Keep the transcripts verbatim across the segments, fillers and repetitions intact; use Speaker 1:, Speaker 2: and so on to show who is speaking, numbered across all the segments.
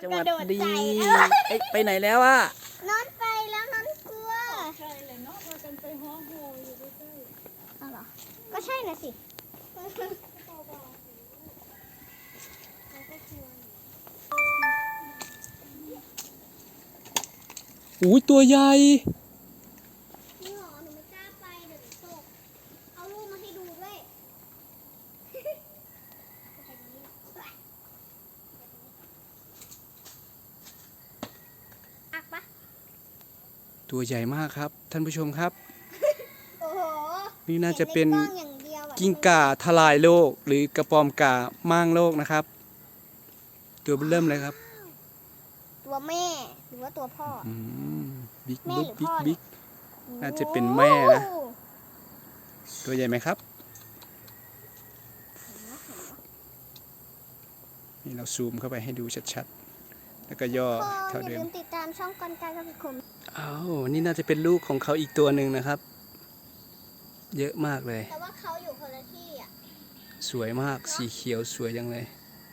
Speaker 1: จังหวัดดีเอ้ยไปไหนแล้วอะ
Speaker 2: นอนไปแล้วนอนกลัว
Speaker 3: ใช่เลยเนาะพากันไปห้องโฮอยู่ใกล้
Speaker 2: ๆเอาเหรอก็ใช่น่ะสิ
Speaker 1: อุ้ยตัวใหญ่
Speaker 2: นี่หรอหนูไม่กล้าไปเดี๋ยวหนูตกเอาลูกมาให้ดูด้วยอักปะ
Speaker 1: ตัวใหญ่มากครับท่านผู้ชมครับ
Speaker 2: โอ้โห
Speaker 1: นี่น่าจะเป็น
Speaker 2: ห็ใกล้องอย่างเดียวอะ
Speaker 1: กิ้งก่าทลายโลกหรือกระปอมก่าม่างโลกนะครับ ตัวเริ่มเลยครับ
Speaker 2: ตัวแม่หรือว่าตัวพ่อ
Speaker 1: อืมบิ๊ก
Speaker 2: แม่
Speaker 1: บิ๊ก
Speaker 2: หรือ
Speaker 1: บิ๊ก
Speaker 2: พ่อเนี่ย
Speaker 1: บิ๊กน่าจะเป็นแม่นะ ตัวใหญ่ไหมครับนี่เราซูมเข้าไปให้ดูชัดๆแล้วก็ย่อ
Speaker 2: พ่อ
Speaker 1: เท่า
Speaker 2: อย่า
Speaker 1: เดิ
Speaker 2: ลื
Speaker 1: ม
Speaker 2: มติดตามช่องกอนกายกับพี่คม
Speaker 1: อ้าวนี่น่าจะเป็นลูกของเขาอีกตัวหนึ่งนะครับ เยอะมากเลย
Speaker 2: แต่ว่าเขาอยู่คนละที่อ่ะ
Speaker 1: สวยมากสีเขียวสวยจังเลย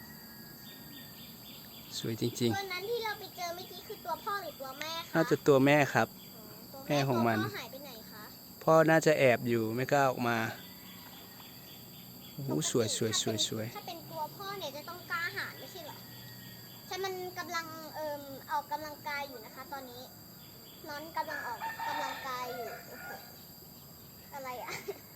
Speaker 1: สวยจริง
Speaker 2: ตัวนั้นที่เราไปเจอเมื่อกี้คือตัวพ่อหรือตัวแม่
Speaker 1: ๆ
Speaker 2: คะ
Speaker 1: น่าจะตัวแม่ครับ
Speaker 2: ตัว
Speaker 1: แม่ของมัน
Speaker 2: ตัวพ่อหายไปไหนคะ
Speaker 1: พ่อน่าจะแอบอยู่ไม่กล้าออกมาโอ้โหสวยสวยสวยสวย
Speaker 2: ถ้าเป็นตัวพ่อเนี่ยจะต้องกล้าหาญไม่ใช่เหรอใช่มันกำลังเอ่มออกกำลังกายอยู่นะคะ ตอนนี้น้อนกำลังออกกำลังกายอยู่โอ้โหอะไรอ่ะ